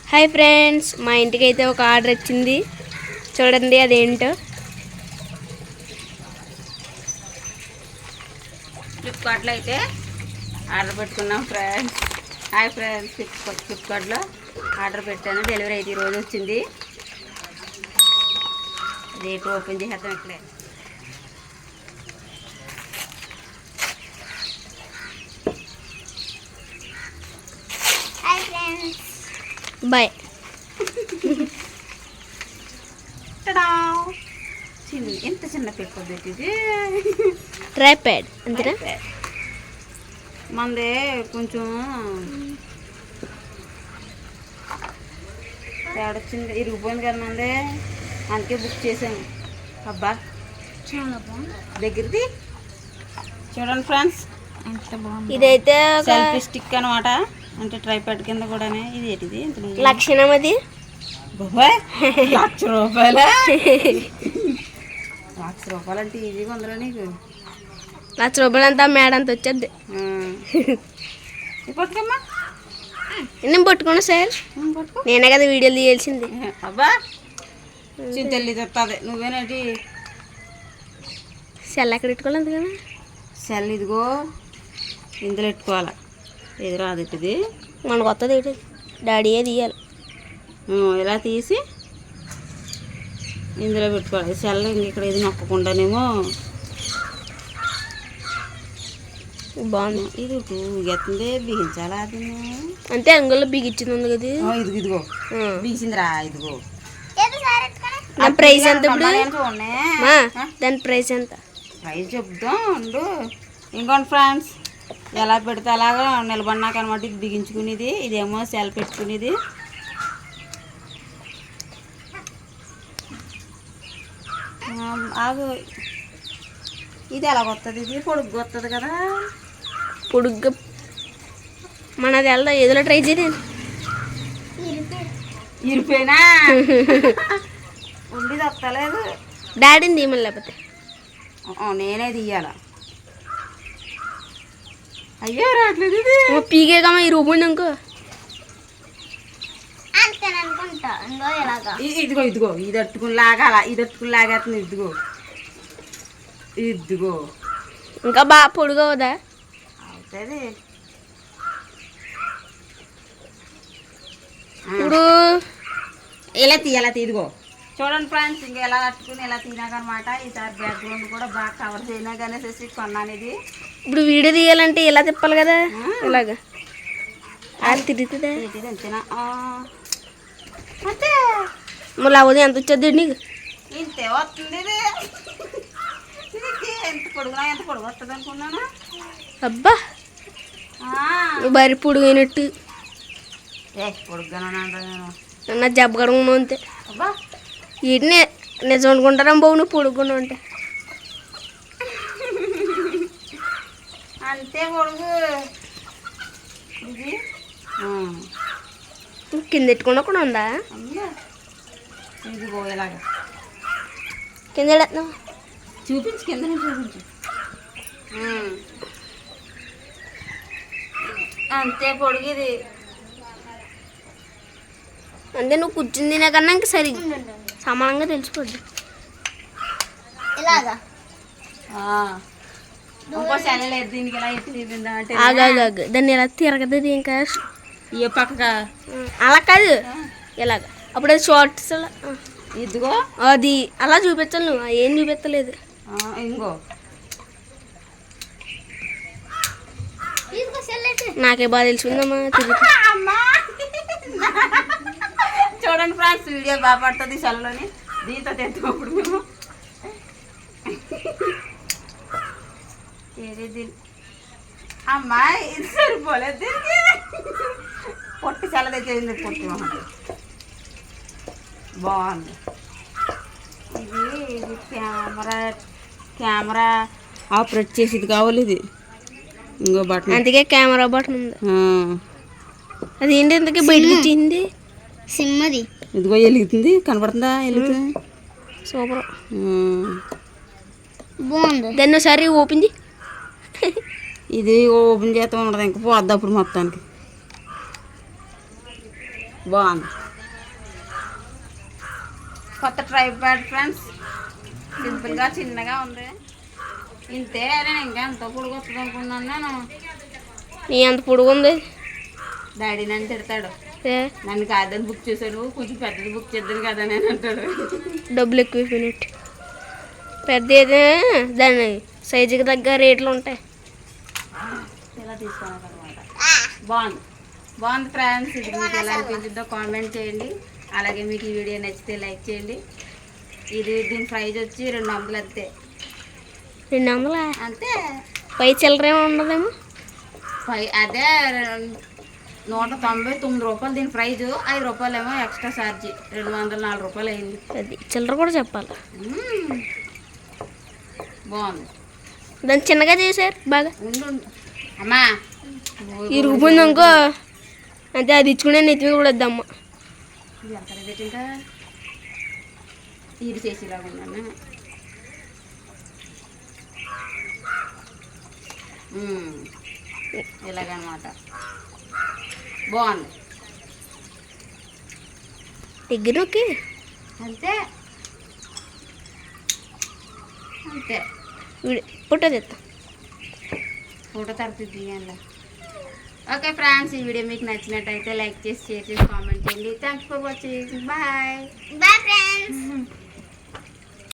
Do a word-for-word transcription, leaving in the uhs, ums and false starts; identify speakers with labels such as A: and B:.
A: Hi friends, మా ఇంటికి అయితే ఒక ఆర్డర్ వచ్చింది. చూడండి అదేంటో.
B: ఫ్లిప్కార్ట్లో అయితే ఆర్డర్ పెట్టుకున్నాం ఫ్రెండ్స్. హాయ్ ఫ్రెండ్స్, ఫ్లిప్కార్ట్ ఫ్లిప్కార్ట్లో ఆర్డర్ పెట్టాను. డెలివరీ అయితే ఈరోజు వచ్చింది. రేపు ఓపెన్ చేసేద్దాం ఇక్కడే.
C: Hi friends,
A: bye.
B: చిన్న ఎంత చిన్న పేపర్ పెట్టింది.
A: ట్రైప్యాడ్ అంతేనా?
B: మందే కొంచెం తేడొచ్చింది, ఇరిగిపోయింది కదా మందే, అందుకే బుక్ చేశాను. అబ్బా
C: చాలా బాగుంది.
B: దగ్గరది చూడండి ఫ్రెండ్స్,
C: ఎంత బాగుంది.
A: ఇదైతే
B: సెల్ఫీ స్టిక్ అనమాట. అంటే ట్రైప్యాడ్ కింద కూడానే. ఇది ఏంటిది?
A: లక్షణం అది.
B: బాబాయ్ లక్ష రూపాయల లక్ష రూపాయలు అంటే ఈజీగా ఉందిరా నీకు.
A: లక్ష రూపాయలు అంతా మేడంత వచ్చేద్ది.
B: పట్టుకమ్మా,
A: నేను పట్టుకున్నా సార్.
B: పట్టుకో.
A: నేనే కదా వీడియోలు తీయాల్సింది.
B: అబ్బా చింతల్లి చెప్తాది. నువ్వేనేటి
A: సెల్ ఎక్కడ పెట్టుకోవాలి అందుకని.
B: సెల్ ఇదిగో ఇందులో పెట్టుకోవాలి. ఇది రాదు ఇది.
A: మనకు వస్తుంది ఏంటి, డాడీయే తీయాలి.
B: ఇలా తీసి ఇందులో పెట్టుకోవాలి. సెల్ ఇక్కడ ఇది నొక్కకుండానేమో
A: బాగుంది.
B: ఇది ఎత్తుంది, బిగించాలా అది.
A: అంతే అంగుల్లో బిగించింది ఉంది కదా.
B: ఇదిగో ఇదిగో బిగించిందిరా. ఇదిగో
A: దాని ప్రైస్ ఎంత ఇప్పుడు?
B: చూడండి,
A: మా దాని ప్రైస్ ఎంత?
B: ప్రైస్ చెప్దాం ఉండు. ఇంకోండి ఫ్రెండ్స్, ఎలా పెడితే అలాగా నిలబడినాక అనమాట. ఇది బిగించుకునేది, ఇదేమో సెల్ పెట్టుకునేది. ఆగు, ఇది ఎలా వస్తుంది? ఇది పొడుగు వస్తుంది కదా.
A: పొడుగ్గా మనది వెళ్దా ఏదో ట్రై చేయలేదు.
B: ఇరిపోయినా ఉండి తప్పలేదు.
A: డాడీని తీయమని లేకపోతే
B: నేనే తీయాల. అయ్యో రావట్లేదు. ఇది
A: పీకే కమ్మా ఈ రూపు ఇంకో
C: అనుకుంటా. ఇంకో ఎలాగా
B: ఇదిగో ఇదిగో ఇది అట్టుకుని లాగాల. ఇది అట్టుకుని లాగేస్తుంది. ఇదిగో ఇదిగో
A: ఇంకా బాగా పొడుగు అవుదా?
B: అవుతుంది.
A: ఇప్పుడు
B: ఇలా తీయాల. ఇదిగో చూడండి ఫ్రెండ్స్, ఇంకా ఎలా కట్టుకుని ఎలా తినాకనమాట. ఈసారి బ్యాక్గ్రౌండ్ కూడా బాగా కవర్ చేయనాకనేసి కొన్నాను ఇది.
A: ఇప్పుడు వీడియో తీయాలంటే ఇలా తిప్పాలి కదా, ఇలాగా అది తిరుగుతుందా?
B: అంతేనా? అంతే.
A: మళ్ళీ అవది ఎంత వచ్చేది నీకు?
B: ఇంతే వస్తుంది. ఇది ఇది ఎంత పొడుగునా ఎంత పొడుగు వస్తుంది అనుకున్నాను.
A: అబ్బా బరి పొడుగు అయినట్టు.
B: ఏ పొడుగ్గానే నేను
A: నా జబ్బ కడుగున్నా అంతే.
B: అబ్బా
A: వీటిని నిజం అనుకుంటారా బాబు, నువ్వు పొడుగున్నా ఉంటే.
B: అంతే పొడుగు ఇది.
A: కింద ఎట్టుకుండా కూడా ఉందా?
B: ఇది పోయేలాగా
A: కింద ఎడతావు
B: చూపించు, కింద చూపించు. అంతే పొడుగు ఇది.
A: అంటే నువ్వు కూర్చుని తినకన్నా ఇంకా సరి సమానంగా తెలిసిపోద్ది.
C: ఇలాగా
B: ఇంకో సెల్లలేదు దీనికి. ఇలా ఎత్తి తీద్దామంటే
A: ఆగాగాగు దాన్ని ఎలా తిరగదు ఇంకా.
B: ఏ పక్కగా
A: అలా కాదు, ఇలాగ. అప్పుడు అది షార్ట్స్
B: ఇదిగో
A: అది అలా చూపించాలి. నువ్వు ఏం చూపించలేదు.
B: ఇంకో
A: నాకే బాగా తెలుసుకుందమ్మా తిరిగి.
B: చూడండి ఫ్రెండ్స్, వీడియో బాగా పడుతుంది సెల్లోని. దీంతో తెచ్చుకోప్పుడు మేము ఏది అమ్మాయి ఇది సరిపోలేదు దీనికి. పొట్టి సెల తెచ్చేది పొట్టి బాగుంది. ఇది ఇది కెమెరా కెమెరా ఆపరేట్ చేసేది కావాలి. ఇది ఇంకో బటన్,
A: అందుకే కెమెరా బటన్ ఉంది. అది ఏంటి ఎందుకే బయటకు వచ్చింది?
C: సిమ్మది.
B: ఇదిగో వెలుగుతుంది, కనపడుతుందా? వెలుగుతుంది.
A: సూపర్,
C: బాగుంది.
A: దాన్ని ఒకసారి ఓపెన్ చేయి.
B: ఇది ఓపెన్ చేస్తూ ఉండదు, ఇంకా పోద్ది అప్పుడు మొత్తానికి. బాగుంది. కొత్త ట్రైపాడ్ ఫ్రెండ్స్, సింపుల్గా చిన్నగా ఉంది. ఇంతే, నేను ఇంకా ఎంత పొడుగు వస్తుంది అనుకున్నాను నేను.
A: నీ అంత పొడుగు ఉంది.
B: డాడీ నన్ను తిడతాడు,
A: ఏ,
B: నన్ను కాదని బుక్ చేశాడు, కొంచెం పెద్దది బుక్ చేద్దాను కదా నేను అంటాడు.
A: డబ్బులు ఎక్కువ అయిపోయినట్టు. పెద్ద ఏదే దాని సైజుకి తగ్గ రేట్లు ఉంటాయి.
B: ఇలా తీసుకున్నాను అనమాట. బాగుంది బాగుంది ఫ్రెండ్స్. ఇది మీకు ఎలా అనిపించిందో కామెంట్ చేయండి. అలాగే మీకు ఈ వీడియో నచ్చితే లైక్ చేయండి. ఇది దీని ప్రైజ్ వచ్చి రెండు వందలు అంతే.
A: రెండు వందల
B: అంతే.
A: పై చిల్లరేమో ఉండదేమో.
B: పై అదే నూట తొంభై తొమ్మిది రూపాయలు దీని ప్రైజు. ఐదు రూపాయలు ఏమో ఎక్స్ట్రా ఛార్జీ. రెండు వందల నాలుగు రూపాయలు అయింది.
A: అది చిల్లర కూడా చెప్పాలి.
B: మ్మ్. బాగుంది.
A: దాన్ని చిన్నగా చేశారు బాగా.
B: ఉండు ఉండు. అమ్మా
A: ఇరుగుపోయింది అనుకో, అంతే. అది ఇచ్చుకునే నెత్తి మీద కూడా వద్దమ్మ.
B: ఇది ఎంత రేట్ ఇంకా తీరి చేసేలాగా ఉన్నాను. మ్మ్. ఇలాగనమాట. బాగుంది.
A: దగ్గర ఓకే.
B: అంతే అంతే.
A: ఫోటో తెస్తా.
B: ఫోటో తరపు తీయండి. ఓకే ఫ్రెండ్స్, ఈ వీడియో మీకు నచ్చినట్టయితే లైక్ చేసి, షేర్ చేసి, కామెంట్ చేయండి. Thanks for watching. Bye
C: bye friends.